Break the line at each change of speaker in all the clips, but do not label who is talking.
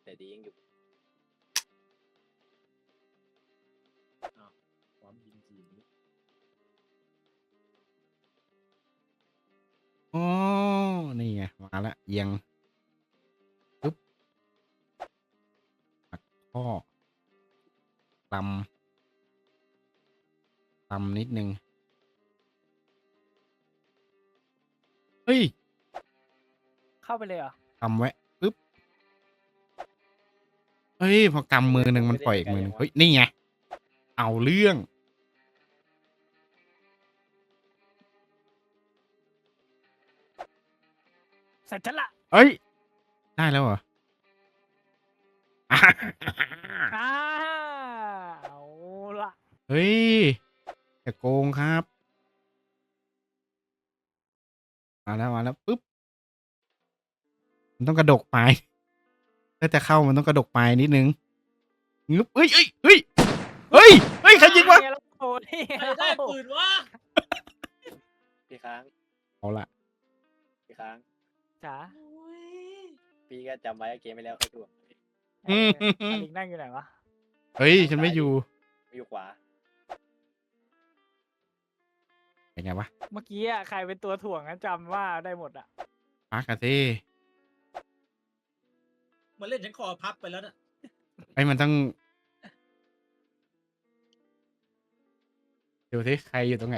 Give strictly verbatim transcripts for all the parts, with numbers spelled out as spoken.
แต่ดียังอยู่
ความยิงจีนนี้
อ๋อนี่ไงมาละเอียงปึ๊บหักข้อตำตำนิดนึงเฮ้ย
เข้าไปเลยเหรอ
กำไว้ปึ๊บเฮ้ยพอกำมือหนึ่งมันปล่อยอีกมือหนึ่งเฮ้ยนี่ไงเอาเรื่อง
เสร็จฉันละ
เอ้ยได้แล้วเหรอ อ่ะ
อ้าเอาละ
เฮ้ยอย่าโกงครับมาแล้วมาแล้วปึ๊บมันต้องกระดกปลายถ้าจะเข้ามันต้องกระดกปลายนิดนึงงึบเฮ้ยเฮ้ยเฮ้ยเฮ้ยเฮ้ยใครยิงวะ
ไแล้วโอ้ย
ใครได้ปืนวะ
พี่ค้าง
เอาละ
พี่ค้าง
จ๋า
พี่ก็จำไว้เกมไปแล้วค่อยถ่วง
เอออลิงนั่งอยู่ไหนวะ
เฮ้ยฉันไม่อยู่
ไม่อยู่ขวา
เป็นไงวะ
เมื่อกี้อะใครเป็นตัวถ่วงนั้นจำว่าได้หมดอ่ะ
ปากกะเซ่
มันเล่นฉันคอพับไปแล้วน่ะ
ไอ้ยมันต้องดูสิใครอยู่ตรงไหน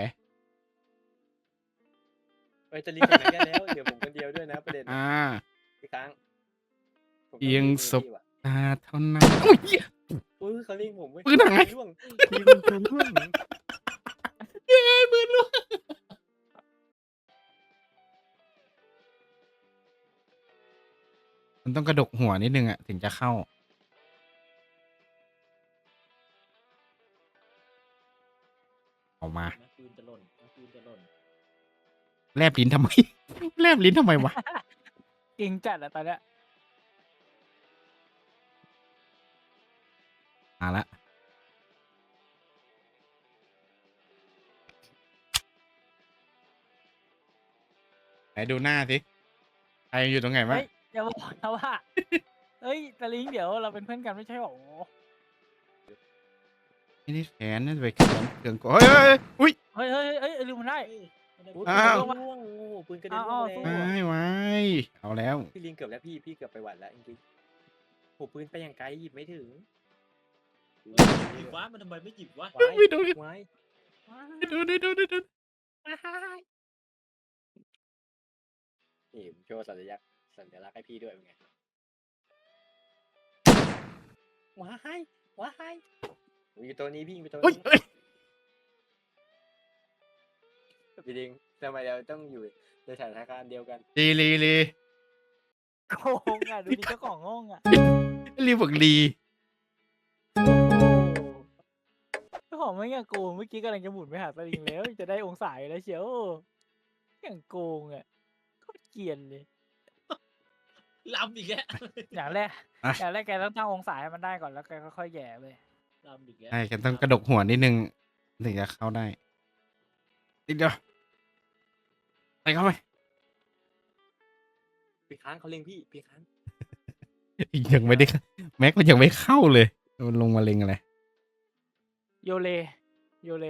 เอ้ยจะรีบไปไหนกันแล้วเดี๋ยวผมคนเดียวด้วยนะประเด็น
อ่า
พี่ค้างผม
เอียง
ต้อง
ศพ
พี่ว่ะ
ตาเท่านั้นอุ้ยเหี้ย
อุ้ยเขาเรียกผมเว้ย
ปืนหาย
ร่วงพี่มันปืนร่วง
เย้ปืนลูกมันต้องกระดกหัวนิดนึงอะถึงจะเข้าออกมา
นะปืนจะหล่นนะปืนจะหล่น
แลบลิ้นทำไม แลบลิ้นทำไมวะ
จริงจัดอะตอนเนี้ย
มาละไหนดูหน้าสิใครอยู่ตรงไหนวะ
เฮ้ยอย่าบอกนะว่า เฮ้ยตะลิงเดี๋ยวเราเป็นเพื่อนกันไม่ใช่หรอ
ไม่ได้แขนนั่นไปแขนเครื่องกดเฮ้ยเฮ้ยเฮ้ยอุ้ย
เฮ้ยเฮ้ยเฮ้ยเอ้ยลืมมันได้
เฮ้ยไม่ได้
อุ้ย
อ้าว
ปืนร่วงโอ้โหปืนกระเด็น
อ้าว
ร่วง
อ้าว
แล้ว
ว้ายว้ายเอาแล้ว
พี่ลิงเกือบแล้วพี่พี่เกือบไปหวัดแล้วจริงๆโอ้ปืนไปอย่างไกลหยิบไม่ถึง
หยิบวะมันทำไมไม่หยิบวะ
ไว้
ไม่ดูดิ
ไว้
ดูดูดูดูดู
นี่ผมโชว์สัญลักษณ์สัญลักษณ์ให้พี่ด้วยเป็นไงว้ายว้ายอยู่ตัวนี้พี่อยู่ตัว
เฮ้ย
นี้
เฮ้ย
พี่ลิงทำไมเราต้องอยู่ในสถานการณ์เดียวกัน
ลีลีลี
โกงอ่ะดูดิเจ้าของงงอ่ะ
ลีบอกลี
โอ้เจ้าของไม่งโกงเมื่อกี้กำลังจะหมุนไปหาตะลิงแล้วจะได้องศาอยู่แล้วเชียวอย่างโกงอ่ะโคตรเกลียนเลย
ลำอีกแล้ว
อย่างแรกอย่างแรกแกต้องตั้งองศาให้มันได้ก่อนแล้วแกค่อยๆแหย่เลย
ลำอีกแล้ว
ใช่กันต้องกระดกหัวนิดนึงถึงจะเข้าได้นิดเดียวไปเข้าไป
พี่ค้างเขาเล็งพี่พี่ค้าง
ยังไม่ได้แม็กมันยังไม่เข้าเลยมันลงมาเล็งอะไร
โยเลโยเล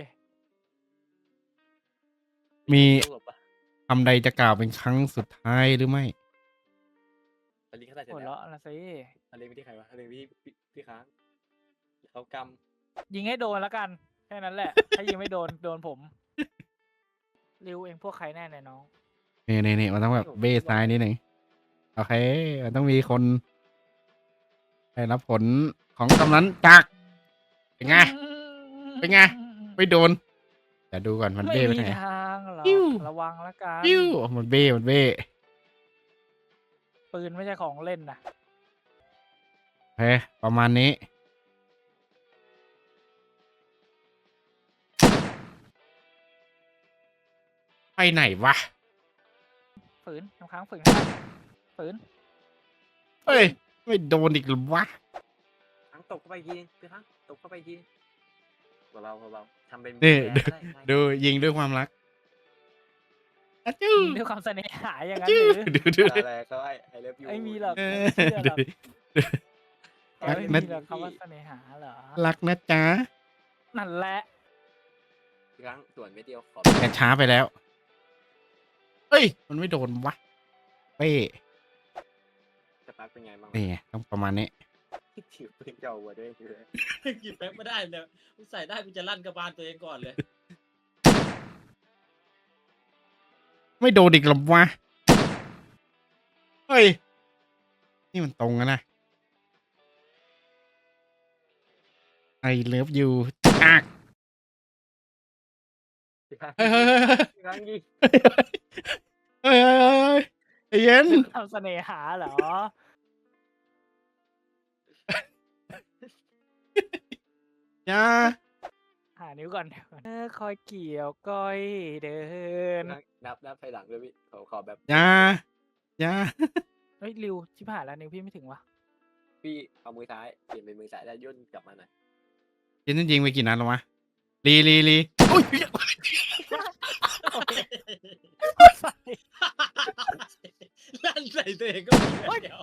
มี
ต้องหลบปะ
คำใดจะกล่าวเป็นครั้งสุดท้ายหรือไม่
ตอนนี้เขาตัดเสร็จ
หัว
แล้ว
เราะนะสิ
เขาเล็งไปที่ใครวะเขาเล็งไปที่พี่พี่ค้างเขาก
ยิงให้โดนแล้วกันแค่นั้นแหละ ถ้ายิงไม่โดนโดนผมริวเองพวกใครแน่เนี่ยน้อง
นี่นี่นี่มันต้องแบบเบ้ซ้ายนิดหนึ่งโอเคมันต้องมีคนได้รับผลของกำนันจากเป็นไง เป็นไง ไม่โดนเดี๋ยวดูก่อนมัน
ไม่
เบ้ไป
มี
ทางไหน
ทางหรอ
ปิ้ว
ระวังแล้วกัน
ปิ้วมันเบ้มันเบ้
ปืนไม่ใช่ของเล่นนะ
โอเคประมาณนี้ไปไหนวะ
ฝืนน้ำค้างฝืนฝืน
เฮ้ยไม่โดนอีกหรือวะ
ำค้างตกเข้าไปอีกทีนึงพี่ค้างตกเข้าไปอีกทีนึงเบาๆเบาๆทำเป็น
นี่
แย่ได้ได้
ดูยิงด้วยความรักอะจู้
ยิงด้วยความเสน่หาอย่างนั้น
จู้
หรือ
ดูดู
อะไรเขาไอ้ไอ้เลิฟยู
ไม่มีหรอก
เออ
ไม่เชื่อห
ดู
รอก
ดิ
อ๋อ
รัก
ไม่
นะ
มีหรอกคำว่าเสน่หาเหรอ
รักนะจ๊ะ
นั่นแหละ
พี่ครั้งส่วนไม่เดียวขอ
แต่ช้าไปแล้ว เอ้ย มันไม่โดนวะเป้
จะปักเป็นไงบ้าง
นี่ไงต้องประมาณนี้
ถือปืนเจ้าวัวด้วยคือ
หยิบแป๊บไม่ได้เลยมึงใส่ได้กูจะลั่นกระบาลตัวเองก่อนเลย
ไม่โดนอีกหรอวะ เฮ้ย นี่มันตรงกันนะ I love you อัก
พี่ครั้ง
เฮ้ยเฮ้ยเฮ้ย
พี่ครั้งยิง
เฮ้ยเฮ้ยเฮ้ยเฮ้ยใจเย็น
ทำเสน่หาเหรอ
อย่า
หานิ้วก่อนเออคอยเกี่ยวก้อยเดิน
นับนับถอยหลังด้วยพี่ขอขอแบบ
อย่าอย่า
เฮ้ยริวชิบหายแล้วนิ้วพี่ไม่ถึงวะ
พี่เอามือซ้ายเปลี่ยนเป็นมือซ้ายแล้วย่นกลับมาหน่อย
ยินยิงไปกี่นัดแล้ววะลีลีลีอุ้ย
ลั่นใส่ตัวเองก็มีแล้ว